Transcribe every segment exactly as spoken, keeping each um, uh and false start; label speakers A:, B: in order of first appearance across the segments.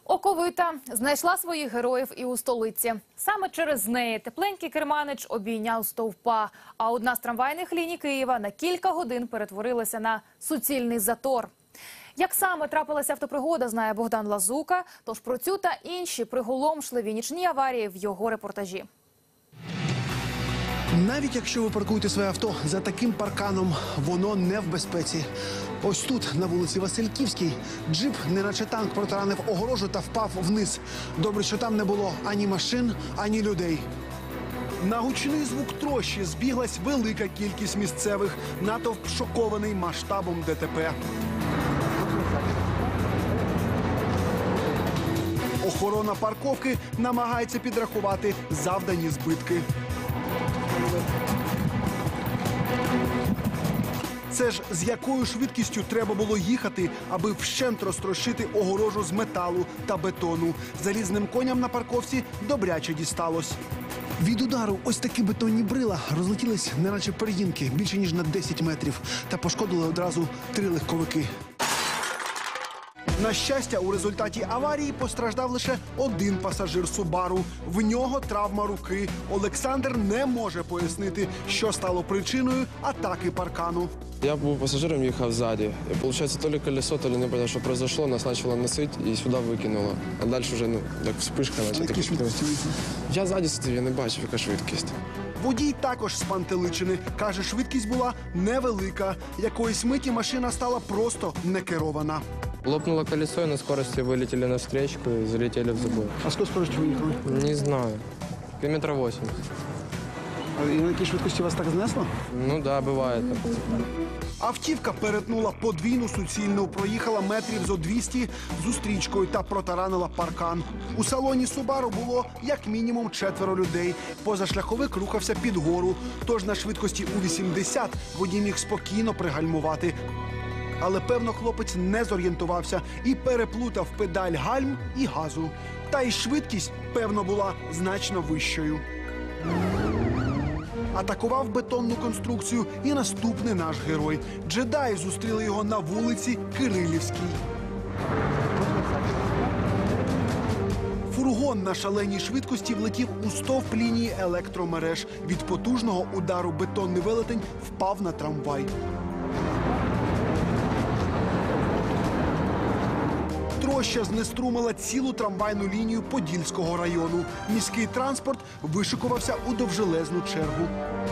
A: Оковита знайшла своїх героїв і у столиці. Саме через неї тепленький керманич обійняв стовпа, а одна з трамвайних ліній Києва на кілька годин перетворилася на суцільний затор. Як саме трапилася автопригода, знає Богдан Лазука. Тож про цю та інші приголомшливі нічні аварії в його репортажі.
B: Навіть якщо ви паркуєте своє авто за таким парканом, воно не в безпеці. Ось тут, на вулиці Васильківській, джип, неначе танк, протаранив огорожу та впав вниз. Добре, що там не було ані машин, ані людей. На гучний звук трощі збіглась велика кількість місцевих. Натовп шокований масштабом ДТП. Охорона парковки намагається підрахувати завдані збитки. Це ж з якою швидкістю треба було їхати, аби вщент розтрощити огорожу з металу та бетону. Залізним коням на парковці добряче дісталось. Від удару ось такі бетонні брила розлетілись неначе пер'їнки більше ніж на десять метрів та пошкодили одразу три легковики. На щастя, у результаті аварії постраждав лише один пасажир Субару. В нього травма руки. Олександр не може пояснити, що стало причиною атаки паркану.
C: Я був пасажиром, їхав ззаді. І, виходить, то ли колесо, то ли не знаю, що произошло, нас почало носити і сюди викинуло. А далі вже, ну, як вспишка.
B: Які швидкості?
C: Я ззаді сидів, я не бачив, яка швидкість.
B: Водій також спантеличений. Каже, швидкість була невелика. Якоїсь миті машина стала просто некерована.
C: Лопнуло колесо, и на скорости вылетели на встречку и залетели в забор.
B: А скільки скорості виїхали?
C: Не знаю. Километра восемьдесят.
B: А на якій швидкості вас так знесло?
C: Ну да, бывает.
B: Автівка перетнула подвійну суцільну, проїхала метрів зо двісті зустрічкою та протаранила паркан. У салоні Субару було як мінімум четверо людей. Позашляховик рухався під гору, тож на швидкості у вісімдесят водій міг спокійно пригальмувати. Але, певно, хлопець не зорієнтувався і переплутав педаль гальм і газу. Та й швидкість, певно, була значно вищою. Атакував бетонну конструкцію і наступний наш герой. Джедаї зустріли його на вулиці Кирилівській. Фургон на шаленій швидкості влетів у стовп лінії електромереж. Від потужного удару бетонний велетень впав на трамвай. Троща знеструмила цілу трамвайну лінію Подільського району. Міський транспорт вишикувався у довжелезну чергу.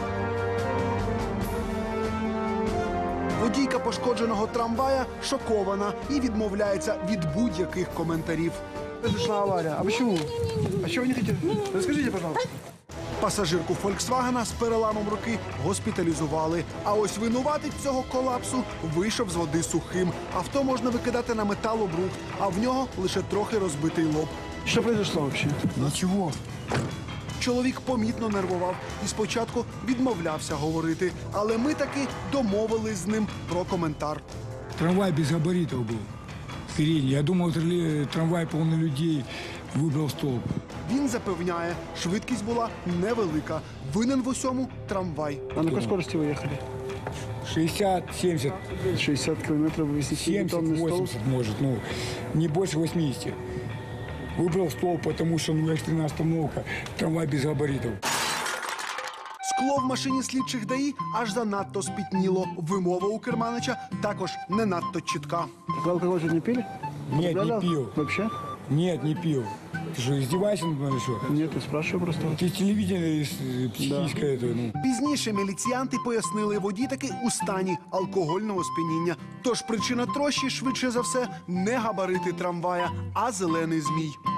B: Водійка пошкодженого трамвая шокована і відмовляється від будь-яких коментарів.
D: Произошла авария. А почему? А чего вы не хотите? Расскажите, пожалуйста.
B: Пасажирку «Фольксвагена» з переламом руки госпіталізували. А ось винуватець цього колапсу вийшов з води сухим. Авто можна викидати на металобрухт, а в нього лише трохи розбитий лоб.
D: Что произошло вообще?
B: Нічого. Чоловік помітно нервував і спочатку відмовлявся говорити. Але ми таки домовились з ним про коментар.
E: Трамвай без габаритов был. Передний. Я думал, трамвай полный людей, выбрал столб.
B: Він запевняє, швидкість була невелика. Винен в усьому трамвай.
D: А на какой скорости вы ехали?
E: шестьдесят семьдесят.
D: шестьдесят километров высоты.
E: семьдесят восемьдесят может, ну, не больше восьмидесяти. Выбрал столб, потому что, ну, экстренная остановка, трамвай без габаритов.
B: Скло в машині слідчих ДАІ аж занадто спітніло. Вимова у керманича також не надто чітка.
D: Вы алкоголь не пили?
E: Нет, не
D: Употребляли?
E: пил.
D: Вообще?
E: Нет, не пил. Ты что, издеваешься надо мной, что?
D: Нет, я спрашиваю просто.
E: Ты телевидение э, психическое это, ну.
B: Пізніше міліціянти пояснили, водій таки у стані алкогольного сп'яніння. Тож причина трощі, швидше за все, не габарити трамвая, а зелений змій.